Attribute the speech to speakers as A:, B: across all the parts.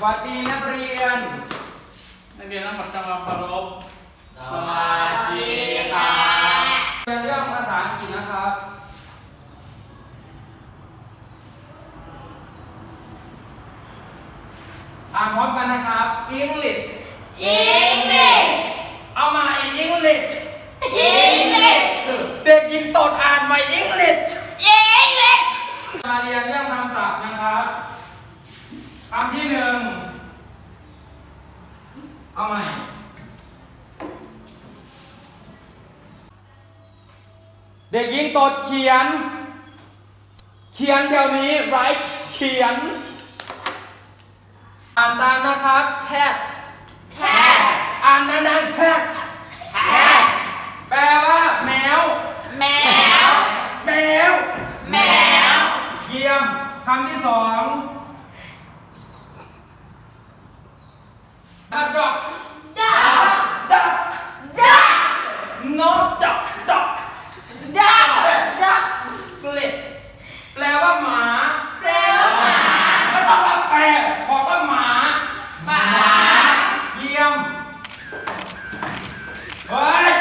A: สวัสดีนักเรียน
B: ทั้งหมดจงเคารพ
C: สวัสดีค่ะ
A: เรียนเรื่องภาษาอังกฤษนะครับอ่านพร้อมกันนะครับ English เอามา English เด็กหญิงโตดอ่านมา English มาเรียนเรื่องคำศัพท์นะครับคำที่หนึ่งเอาใหม่เด็กหญิงโตดเขียนเดี๋ยวนี้ write เขียนอ่านตามนะครับ cat อ่านนานๆ cat แปลว่าแมวเยี่ยมคำที่สองduck no duck split แปลว่าหมาไม่ต้องว่าแปลบอกว่าหมาเยี่ยมเฮ้ย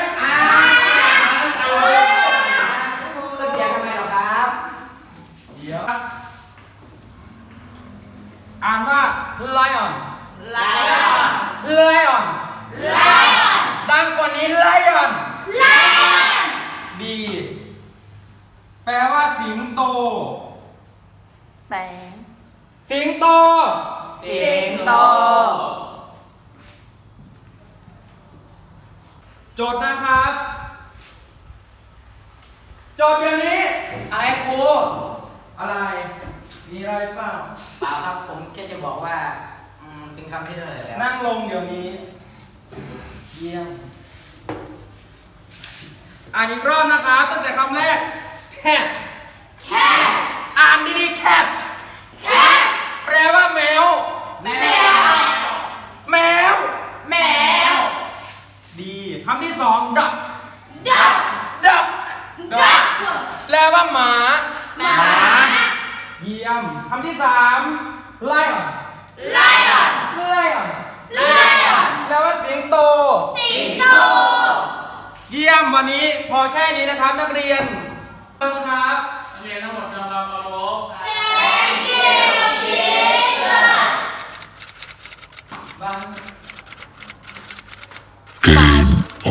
A: เดี๋ยวอ่านว่า lion ดังกว่านี้ lion ดี แปลว่าสิงโตสิงโตโจทย์นะครับโจทย์เดี๋ยวนี้
C: อะไรครู
A: อะไร มีอะไรเปล่า
C: เปล่าครับผมแค่จะบอกว่าเป็นคำที่เท่าไหร่แล้ว
A: นั่งลงเดี๋ยวนี้ เยี่ยม อ่านอีกรอบนะครับตั้งแต่คำแรก cat อ่านดีๆ cat แปลว่าแมว ดีคำที่สอง duck แปลว่าหมาเยี่ยมคำที่สาม lion แปลว่าสิงโตเยี่ยมวันนี้พอแค่นี้นะครับนักเรียนครับ
B: นักเรียนทั้งหมดจงเคารพ
A: บ้าง
D: Game